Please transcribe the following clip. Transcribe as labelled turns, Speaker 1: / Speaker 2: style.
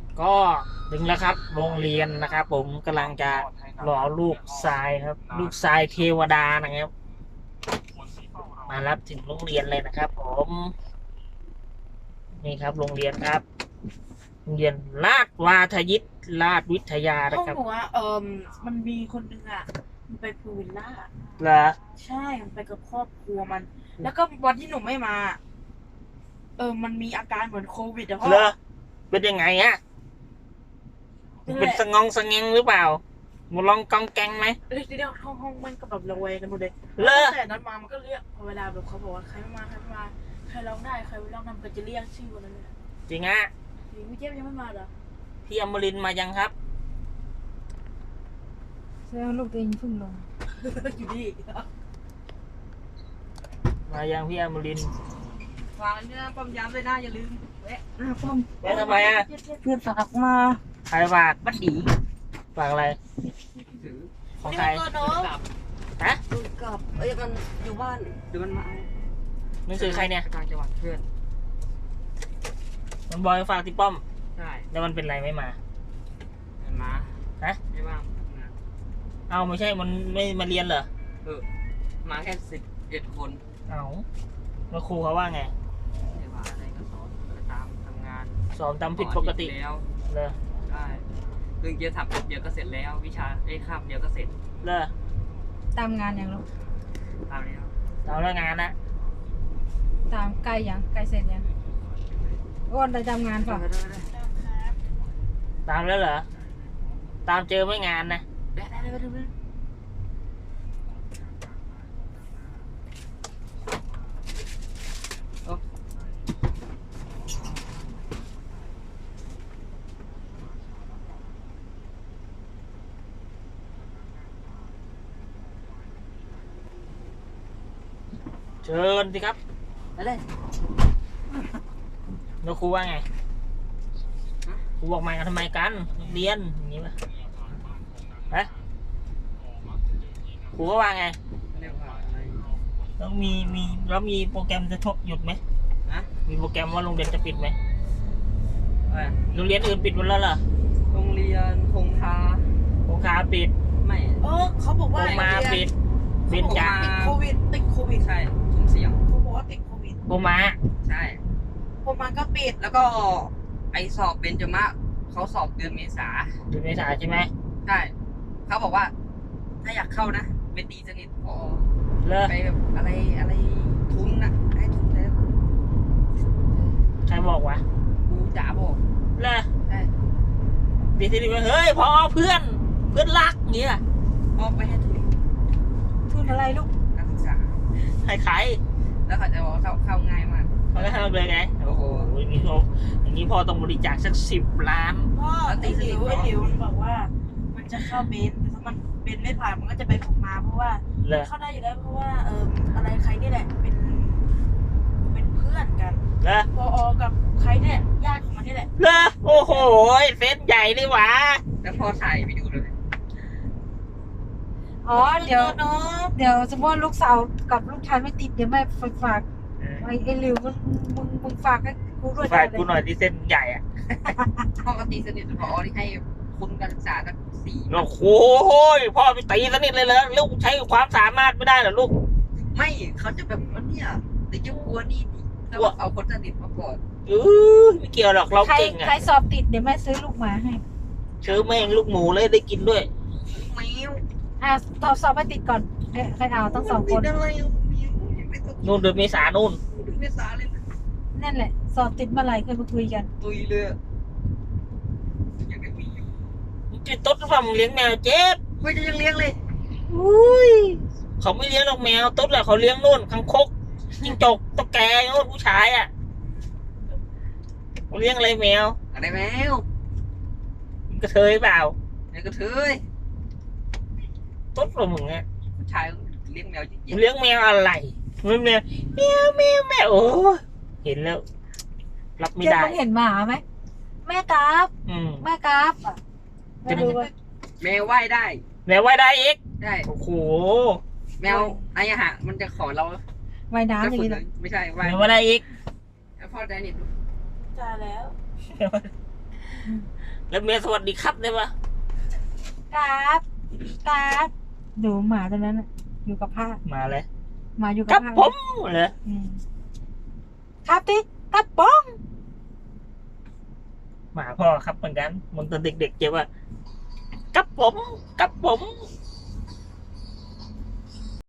Speaker 1: ก็ถึงแล้วครับโรงเรียนนะครับผมกำลังจะรอลูกทรายครับ ลูกทรายเทวดานะครับมารับถึงโรงเรียนเลยนะครับผมนี่ครับโรงเรียนครับโรงเรียนราชวาทยิตราชวิทยานะ
Speaker 2: ห้อง
Speaker 1: ครับ
Speaker 2: หนูมันมีคนนึงมันไปพูลวิลล่า
Speaker 1: เหรอ
Speaker 2: ใช่มันไปกับครอบครัวมัน แล้วก็วันที่หนูไม่มามันมีอาการเหมือนโควิดอะพ่อ
Speaker 1: เหรอเป็นยังไงฮะเป็นสงองสงเงงหรือเปล่ามาลองกองแกงไหม
Speaker 2: เดี๋ยวห้องมันก็แบบระแวงกันหมดเลย
Speaker 1: เหรอ
Speaker 2: แต่นั้นมามันก็เรียกพอเวลาแบบเขาบอกว่าใครไม่มาใครร้องได้ใครไม่ร้องนำก็จะเรียกชื่อวันนั้นเลย
Speaker 1: จริงฮะ
Speaker 2: พี่เจี๊ยบยังไม่มาเหรอ
Speaker 1: พี่อมรินทร์มายังครับ
Speaker 3: แสดงลูกตัวเองเพิ่งลง
Speaker 2: อยู่นี่
Speaker 1: มายังพี่อมรินทร์
Speaker 2: วางเนี่ยป้อมยามเลยนะอย่าลืมแวะป้อม
Speaker 1: แม่ทำไมอ่ะ
Speaker 2: เพื่อนฝากมา
Speaker 1: ใครฝาก
Speaker 2: บัดดี
Speaker 1: ฝากอะไรของใครฮะ
Speaker 2: ดูกับมันอยู่บ้านเดี๋ยวมันมา
Speaker 1: หนังสือใครเนี่ย
Speaker 2: ต่างจังหวัดเพื่อน
Speaker 1: มันบอยฝากที่ป้อม
Speaker 2: ใช่
Speaker 1: แล้วมันเป็นไรไม่มา
Speaker 2: มันมา
Speaker 1: ฮะ
Speaker 2: ไม่ว่าง
Speaker 1: เอาไม่ใช่มันไม่มาเรียนเหรอ
Speaker 2: มาแค่11 คน
Speaker 1: เอาแล้วครูเขาว่าไง
Speaker 2: ไม่ว่าอะไรก็สอนไปตามทำงาน
Speaker 1: สอบตามผิดปกติ
Speaker 2: แล้ว
Speaker 1: เลย
Speaker 2: ได้เรื่องเกียร์ถับเดียวก็เสร็จแล้ว วิชาคาบเดียวก็เสร็จ
Speaker 1: เลย
Speaker 3: ตามงานอย่างลูก
Speaker 2: ตามแล้ว
Speaker 1: เอาแล้วงานนะ
Speaker 3: ตามใกล้ยังใกล้เสร็จยังอ้วนได้ตามงานเปล่ะ
Speaker 1: ตามแล้วเหรอ ตามเจอไม่งานนะ
Speaker 2: ได้
Speaker 1: เชิญสิครับ
Speaker 2: เลย
Speaker 1: แล้วครูว่าไงครูบอกมากันทำไมกันเรียนอย่างนี้ป่ะฮะครูก็ว่าไง
Speaker 2: เรียกว่าอะไร
Speaker 1: แล้วมีโปรแกรมจะชกหยุดไหม
Speaker 2: ฮะ
Speaker 1: มีโปรแกรมว่าโรงเรียนจะปิดไหม
Speaker 2: อะไร
Speaker 1: โรงเรียนอื่นปิดหมดแล้วเหรอ
Speaker 2: โรงเรียนคงคา
Speaker 1: โรงคาปิด
Speaker 2: ไม่เขาบอก
Speaker 1: โร
Speaker 2: ว่าง
Speaker 1: มาปิดเบญจา
Speaker 2: ติดโควิดใช่ทุ่มเสียงเขาบอกว่าติดโควิด
Speaker 1: โรมา
Speaker 2: ใช่โคมาก็ปิดแล้วก็ไอสอบเบญจมะเขาสอบเดือนเมษา
Speaker 1: เดือนเมษาใช่ไหม
Speaker 2: ใช่เขาบอกว่า ถ้าอยากเข้านะไปตีสนิทพอ
Speaker 1: เลิก
Speaker 2: ไปแบบอะไรทุนนะให้ทุนแล้ว
Speaker 1: ใครบอกวะ
Speaker 2: ครูจ๋าบอก
Speaker 1: เลิก
Speaker 2: ใช่
Speaker 1: ดีทีนี้ว่าเฮ้ยพอเพื่อนรักอย่างเงี้ย
Speaker 2: มอบไปให้ทุน
Speaker 3: ทุนอะไรลูก
Speaker 2: การศึกษา
Speaker 1: ให้ใคร
Speaker 2: แล้วเขาจะบอกว่าเข้าง่ายมาก
Speaker 1: เขาก็ให้เราเลยไงโอ้โหอย่างนี้พ่อต้องบริจาคสัก10 ล้าน
Speaker 2: พ่อไอ้หลิวมันบอกว่า มันจะเข้าเบนแต่ถ้ามันเบนไม่ผ่านมันก็จะไปผมมาเพราะว่า
Speaker 1: เลย
Speaker 2: เข้าได้อยู่แล้วเพราะว่าอะไรใครนี่แหละเป็นเพื่อนกัน
Speaker 1: เลิก
Speaker 2: พอกับใครเนี่ยญาติของมันนี่แหละ
Speaker 1: เลิกโอ้โหเซตใหญ่นี่หว่า
Speaker 2: แล้วพอถ่ายไปดูเลย
Speaker 3: อ๋อเดี๋ยวสมมติว่าลูกสาวกับลูกชายไม่ติดเดี๋ยวแม่ฝากไอ้หลิวมึงฝากให้กูด้วย
Speaker 1: ฝากกูหน่อยที่เส้นใหญ่อะ
Speaker 2: พ่อก็ตีสนิทกับพอที่ให้คุณการศึกษาตั้ง4
Speaker 1: โอ้โหพ่อไปตีสนิทเลยเหรอลูกใช้ความสามารถไม่ได้เหรอลูก
Speaker 2: ไม่เขาจะแบบว่าเนี่ยแต่จะกลัวนี่แล้วเอาคนสนิทมาก่อน
Speaker 1: ไม่เกี่ยวหรอกเรา
Speaker 3: ใคร
Speaker 1: เก่งอะ
Speaker 3: ใครสอบติดเดี๋ยวแม่ซื้อลูกหมาให้
Speaker 1: ซื้อแม่งลูกหมูเลยได้กินด้วย
Speaker 2: แมว
Speaker 3: สอบไปติดก่อนใครเอาต้อง2 คน
Speaker 2: อะไรแมวยังไม่ต้อง
Speaker 1: นู่นเดือนเมษานู่น
Speaker 2: ดูไม่สาเลยนะ
Speaker 3: นั่นแหละ สอบติดเมื่อไหร่เคยมาคุยกัน
Speaker 2: ตุยเลยยังไม่มี
Speaker 1: มึงจะต้นหรือเปล่ามึงเลี้ยงแมวเจ็บ
Speaker 2: ไม่จะยังเลี้ยงเลย
Speaker 3: อุ้ย
Speaker 1: เขาไม่เลี้ยงหรอกแมวต้นแหละเขาเลี้ยงนู่นคังคกจิ้งจกตุ๊กแกนู่นผู้ชายอ่ะเขาเลี้ยงอะไรแมว
Speaker 2: อะไรแมว
Speaker 1: มึงกระเทยเปล่า
Speaker 2: ไอ้กระเทย
Speaker 1: ต้นหรอมึงอ่ะ
Speaker 2: ผู้ชายเลี้ยงแมวจริง
Speaker 1: มึงเลี้ยงแมวอะไรมึงแมวโอ้เห็นแล้ว รับไม่
Speaker 3: เจ๊
Speaker 1: ได้
Speaker 3: มึงเห็นหมาไหมแม่กราฟ
Speaker 1: อืม
Speaker 3: แม่กราฟอ่ะไม่รู้ว่า
Speaker 2: ๆแมวว่ายได้
Speaker 1: แมวไว้ได้อีก
Speaker 2: ได้
Speaker 1: โอ้โห
Speaker 2: แมวไอ้หะมันจะขอเรา
Speaker 3: ว่ายน้ำอย่าง
Speaker 2: ฝึก
Speaker 3: นี้นะ
Speaker 2: ไม่ใช่
Speaker 1: แม
Speaker 2: ว่าย
Speaker 1: วไว้ได้อีก
Speaker 2: แล้วพ่อใจนิดจ่าแล้ว
Speaker 1: แล้วเมียสวัสดีครับได้ปะ
Speaker 3: ครับครับดูหมาตัวนั้นน่ะอยู่กับผ้า
Speaker 1: มาเลย
Speaker 3: หมาอยู่กั
Speaker 1: ครับ
Speaker 3: ผ้า
Speaker 1: ผมเลย
Speaker 3: อืมครับติครับป้อง
Speaker 1: หมาพ่อครับเหมือนกันมันตอนเด็กๆเจ็บว่ากับผมกับผม